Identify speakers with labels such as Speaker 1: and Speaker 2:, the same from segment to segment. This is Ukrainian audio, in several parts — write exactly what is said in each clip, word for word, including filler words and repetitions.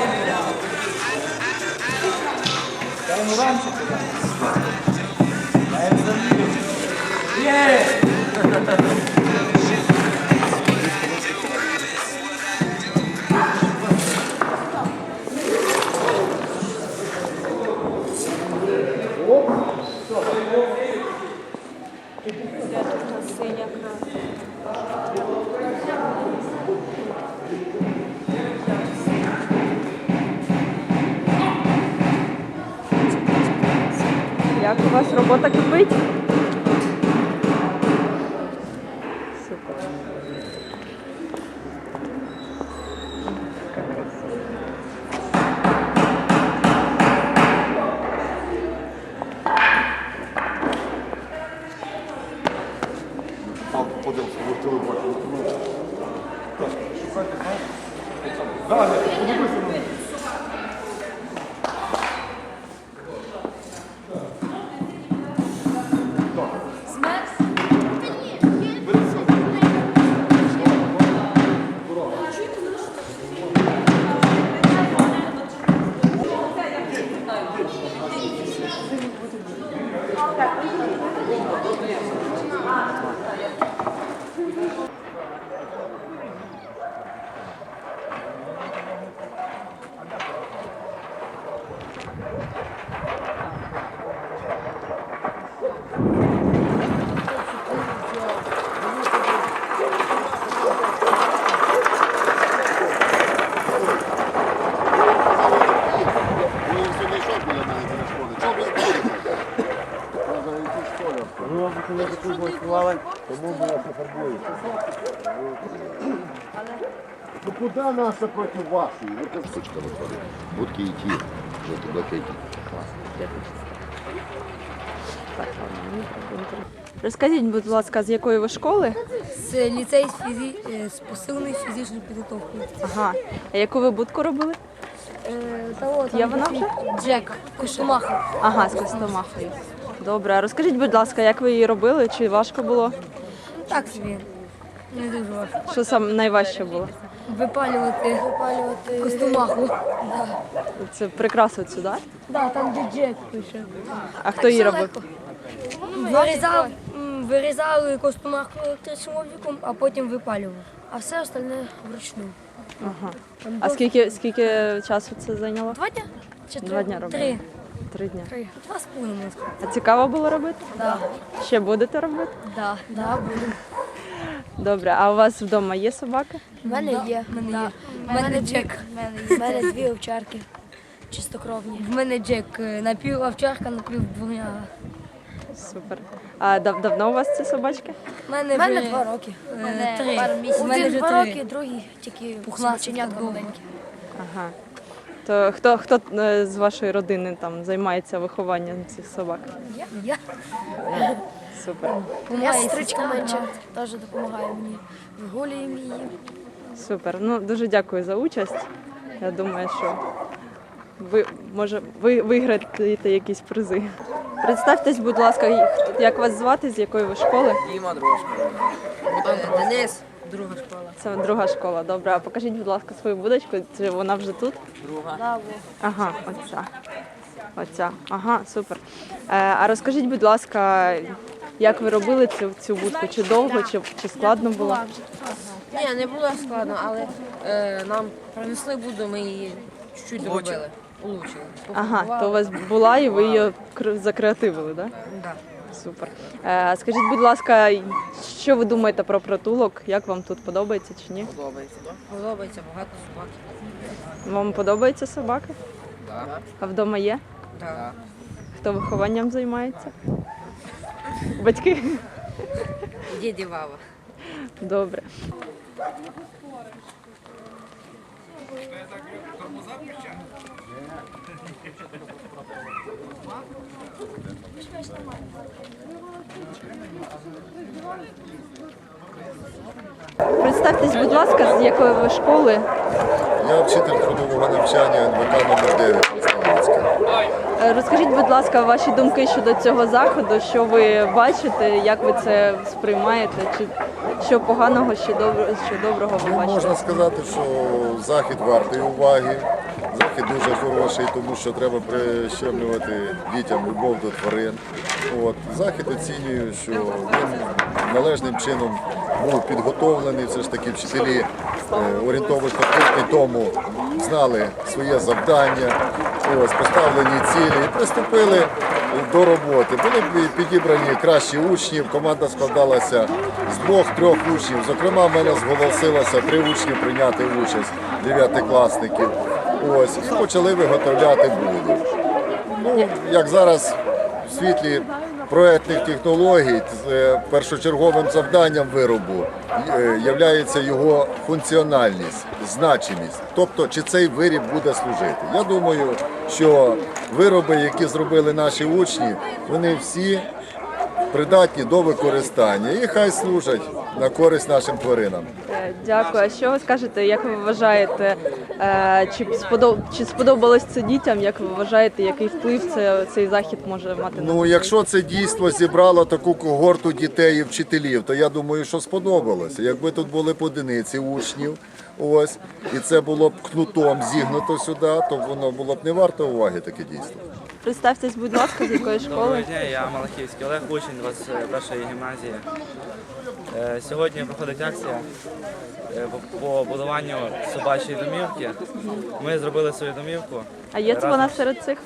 Speaker 1: Дай ему раньше туда. Я им завидую. Есть!
Speaker 2: Синя краса. Як у вас робота кипить? Супер. Яка краса.
Speaker 3: Подивився, ви телебачили. Шукайте, знаєш? Так, подивися на мене.
Speaker 4: Коли таку влаштували, тому ми нас не фарбуємо. Ну куди наша проти вашої?
Speaker 3: Сучка виходить. Будки і ті, жовто-блакитні.
Speaker 2: Розкажіть, будь ласка, з якої ви школи?
Speaker 5: З ліцей з, фізі... е, з посиленою фізичною підготовкою.
Speaker 2: Ага. А яку ви будку робили?
Speaker 5: Е, та от,
Speaker 2: Є
Speaker 5: там
Speaker 2: вона
Speaker 5: такий
Speaker 2: вже?
Speaker 5: Джек, Костомаха.
Speaker 2: Ага, з Костомахою. Добре, а розкажіть, будь ласка, як ви її робили? Чи важко було?
Speaker 5: Так собі. Не дуже важко.
Speaker 2: Що саме найважче було?
Speaker 5: Випалювати, Випалювати... Костомаху. Да.
Speaker 2: Це прикрасу цю, так?
Speaker 5: Да, там де Джек пише.
Speaker 2: А хто її робив?
Speaker 5: Вирізав, м, вирізали Костомаху електричним обліком, а потім випалював. А все остальне вручну.
Speaker 2: Ага. А скільки, скільки часу це зайняло?
Speaker 5: Два дня? Чи три?
Speaker 2: Два дня робили?
Speaker 5: Три.
Speaker 2: Три дні.
Speaker 5: Три. Два з половиною.
Speaker 2: А цікаво було робити?
Speaker 5: Да.
Speaker 2: Ще будете робити?
Speaker 5: Да. Да, буду.
Speaker 2: Добре, а у вас вдома є собака?
Speaker 5: У мене є. В мене є. В мене Джек. В мене дві овчарки. Чистокровні. В мене Джек. Напів овчарка, напів двоняга.
Speaker 2: Супер. А дав, давно у вас ці собачки?
Speaker 5: У мене,
Speaker 6: мене два роки.
Speaker 5: Е, Три.
Speaker 6: Пару місяців.
Speaker 5: У мене
Speaker 6: Один
Speaker 5: вже
Speaker 6: два
Speaker 5: три.
Speaker 6: роки, другий тільки
Speaker 5: Пухнастик
Speaker 6: собаченятка
Speaker 5: довго.
Speaker 6: маленьке.
Speaker 2: Ага. То хто, хто е, з вашої родини там займається вихованням цих собак?
Speaker 5: Я? Я.
Speaker 2: Супер.
Speaker 6: Я сестричка менша теж допомагає мені. Вигулюємо її.
Speaker 2: Супер. Ну дуже дякую за участь. Я думаю, що ви може ви виграєте якісь призи. Представтесь, будь ласка, як вас звати, з якої ви школи?
Speaker 7: Діма, друга школа. Денис, друга школа.
Speaker 2: Це друга школа. Добре. А покажіть, будь ласка, свою будочку. Чи вона вже тут?
Speaker 7: Друга.
Speaker 2: Ага, оця. Оця. Ага, супер. Е, а розкажіть, будь ласка, як ви робили цю, цю будку? Чи довго, чи, чи складно було?
Speaker 7: Ні, не було складно, але е, нам принесли буду, ми її чуть-чуть доробили. Улучшили.
Speaker 2: Ага, то у вас була і ви її кр- закреативили, так?
Speaker 7: Да.
Speaker 2: Супер. Е, скажіть, будь ласка, що ви думаєте про притулок? Як вам тут подобається чи ні?
Speaker 7: Подобається. Подобається, багато собак.
Speaker 2: Вам подобаються собаки?
Speaker 7: Да.
Speaker 2: А вдома є?
Speaker 7: Да.
Speaker 2: Хто вихованням займається? Батьки?
Speaker 7: Діді Вава.
Speaker 2: Добре. Представтесь, будь ласка, з якої ви школи?
Speaker 3: Я вчитель трудового навчання ен ве ка номер дев'ять Славянська.
Speaker 2: Е, Розкажіть, будь ласка, ваші думки щодо цього заходу, що ви бачите, як ви це сприймаєте, чи що поганого, що доброго, що доброго ви
Speaker 3: Ну,
Speaker 2: бачите?
Speaker 3: можна сказати, що захід вартий уваги. захід дуже хороший, тому що треба прищемлювати дітям любов до тварин. От. Захід оцінюю, що він належним чином був підготовлений. Все ж таки вчителі е, орієнтовно тиждень тому знали своє завдання, ось, поставлені цілі і приступили до роботи. Були підібрані кращі учні, команда складалася з двох-трьох учнів. Зокрема, в мене зголосилося три учні прийняти участь, дев'ятикласників. Ось, і почали виготовляти буду. Ну, як зараз в світлі проектних технологій, е, першочерговим завданням виробу є його функціональність, значимість. Тобто, чи цей виріб буде служити. Я думаю, що вироби, які зробили наші учні, вони всі придатні до використання і хай служать на користь нашим тваринам.
Speaker 2: Е, Дякую. А що ви скажете, як ви вважаєте, е, чи сподоб... чи сподобалось це дітям? Як ви вважаєте, який вплив це, цей захід може мати на
Speaker 3: Ну,
Speaker 2: дітей?
Speaker 3: якщо це дійство зібрало таку когорту дітей і вчителів, то я думаю, що сподобалося. Якби тут були по одиниці учнів, ось, і це було б кнутом зігнуто сюди, то воно було б не варто уваги таке дійство.
Speaker 2: Представтесь, будь ласка, з якої
Speaker 1: Доброго
Speaker 2: школи?
Speaker 1: дня, я Малахівський Олег, учень двадцять першої гімназії. Е, Сьогодні проходить акція е, по- по будуванню собачої домівки. Ми зробили свою домівку.
Speaker 2: А є це
Speaker 1: Разом
Speaker 2: вона
Speaker 1: з-
Speaker 2: серед цих?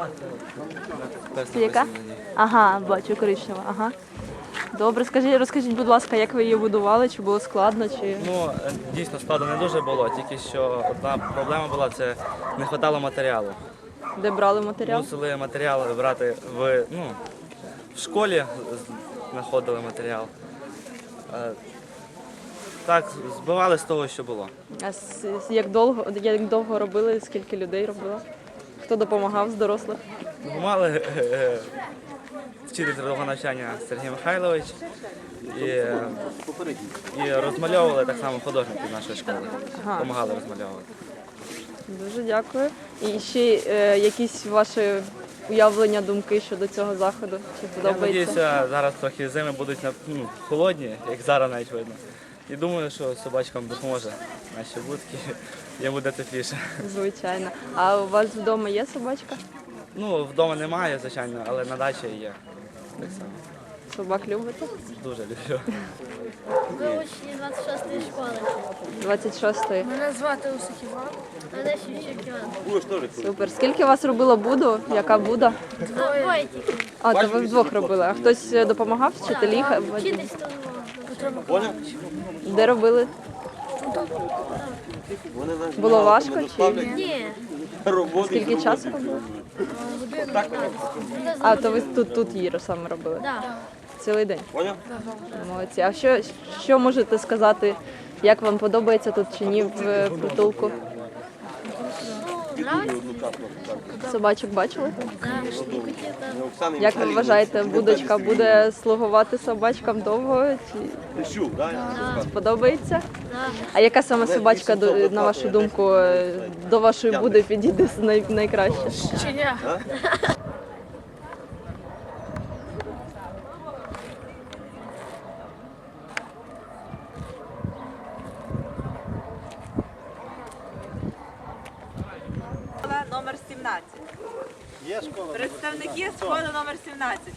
Speaker 1: Хтось
Speaker 2: Це яка?
Speaker 1: написаний на ній.
Speaker 2: Ага, бачу, коричнева. Ага. Добре, скажіть, розкажіть, будь ласка, як ви її будували? Чи було складно? Чи
Speaker 1: Ну, е, дійсно, складно не дуже було, тільки що одна проблема була, це не вистачало матеріалу.
Speaker 2: де брали матеріал?
Speaker 1: Мусили матеріал брати в, ну, в школі, з- знаходили матеріал. Е, Так, збивали з того, що було.
Speaker 2: А с- с- як довго, як довго робили? Скільки людей робило? Хто допомагав з дорослих?
Speaker 1: Мали е, вчитель трудового навчання Сергій Михайлович і, е, і розмальовували так само художники нашої школи.
Speaker 2: Ага.
Speaker 1: Допомагали розмальовувати.
Speaker 2: Дуже дякую. І ще е, якісь ваші уявлення, думки щодо цього заходу? Чи
Speaker 1: Я
Speaker 2: подобається?
Speaker 1: сподіваюся, зараз трохи зими будуть ну, холодні, як зараз навіть видно. І думаю, що собачкам допоможе наші будки, їм буде тепліше.
Speaker 2: Звичайно. А у вас вдома є собачка?
Speaker 1: Ну, вдома немає, звичайно, але на дачі є. Так само.
Speaker 2: Собак любите?
Speaker 1: Дуже люблю.
Speaker 6: Ми учні двадцять шостої школи.
Speaker 2: двадцять шостої.
Speaker 6: Мене звати Усик Іван. Мене Шевчик Іван.
Speaker 2: Супер. Скільки вас робило буду? Яка буда?
Speaker 6: Двоє тільки.
Speaker 2: А, то ви вдвох робили. А хтось е, допомагав? Вчителі? Ха-
Speaker 6: Вчитись то Петро Миколаївич.
Speaker 2: Де робили? Було важко чи
Speaker 6: Ні.
Speaker 2: скільки часу робили? А, то ви тут, тут її саме робили?
Speaker 6: Да.
Speaker 2: Цілий день? Молодці. А що, що можете сказати, як вам подобається тут чи ні в е, притулку? Собачок бачили? Як ви вважаєте, будочка буде слугувати собачкам довго? Чи сподобається? А яка саме собачка, до- на вашу думку, е, до вашої буди підійде най- найкраще?
Speaker 6: Щеня.
Speaker 8: Школа номер сімнадцять.
Speaker 4: Є школа.
Speaker 8: Представники школи номер сімнадцять.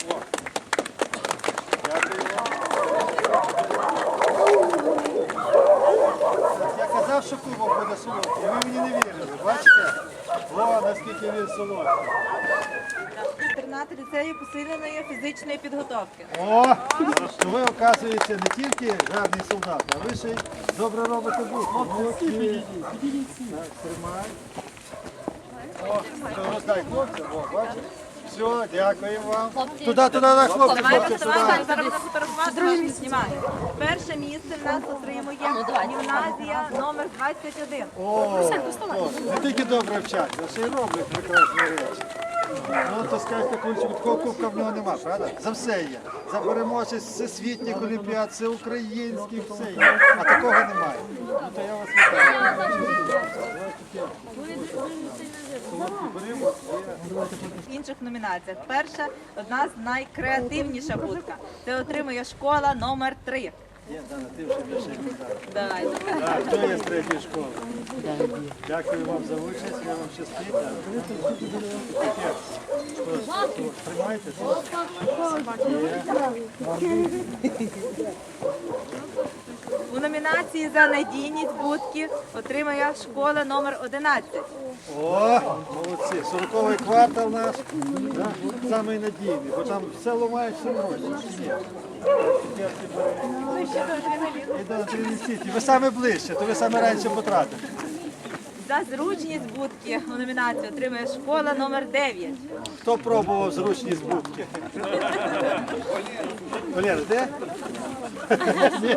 Speaker 4: Я казав, що кубок буде солодкий, ви мені не вірили. Бачите? О, наскільки він солодкий.
Speaker 8: Інтернат ліцею посиленої фізичної підготовки.
Speaker 4: О, то ви, оказуєте, не тільки гарний солдат, а ви ще й добре робите бутки. Молодці. Так, тримай. О, то роздай хлопцям, о, бачиш? Все, дякую вам. Туди, туди, на хлопці,
Speaker 8: Давайте,
Speaker 4: хлопці,
Speaker 8: давайте,
Speaker 4: туди.
Speaker 8: зараз будемо фотографувати, знімаємо. Перше місце в нас отримує гімназія номер двадцять один.
Speaker 4: О, о, не тільки добре вчаться, а ще й роблять прекрасні речі. Ну, то скажете, Кульчику, такого кубка в нього нема, правда? За все є. За переможець всесвітніх олімпіад, всеукраїнських, все є. А такого немає. Ну, то я вас вітаю.
Speaker 8: В інших номінаціях. Перша, одна з найкреативніша будка. Це отримує школа номер три.
Speaker 4: Є, Дана, ти вже більше не знала.
Speaker 8: Давай.
Speaker 4: Так, хто є з третьої школи? Дякую вам за участь, я вам щастить. Таке, що, Тримайте.
Speaker 8: У номінації за надійність будки отримає школа номер одинадцять.
Speaker 4: О, молодці. Сороковий квартал наш, да? Самий надійний, бо там все ламають, все гроші. Чи ні? І до Адреналін-Сіті. Ви саме ближче, то ви саме раніше потратите.
Speaker 8: За зручність будки у номінації отримує школа номер дев'ять.
Speaker 4: Хто пробував зручність будки? Валера, де? Ні?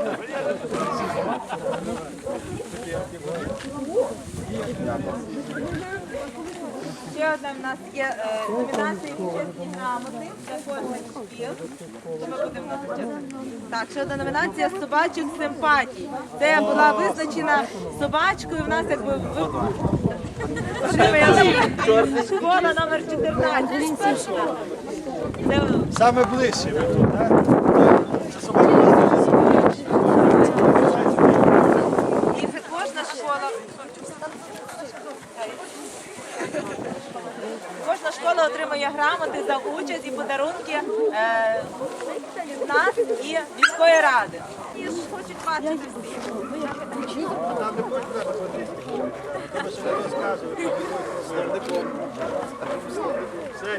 Speaker 8: Ще одна в нас є е, номінація «Чесні грамоти» для кожних шкіл. Що ми будемо чесно? Так, ще одна номінація «Собачих симпатій». Це була визначена собачкою в нас якби в отримує школа номер чотирнадцять. Це
Speaker 4: Саме ближче ви тут, так? Це собака у вас дуже
Speaker 8: і кожна школа. Кожна школа отримує грамоти за участь і подарунки е, від нас і міської ради. І ж хочуть бачити всі.
Speaker 4: Там не будь треба, що не розказувати.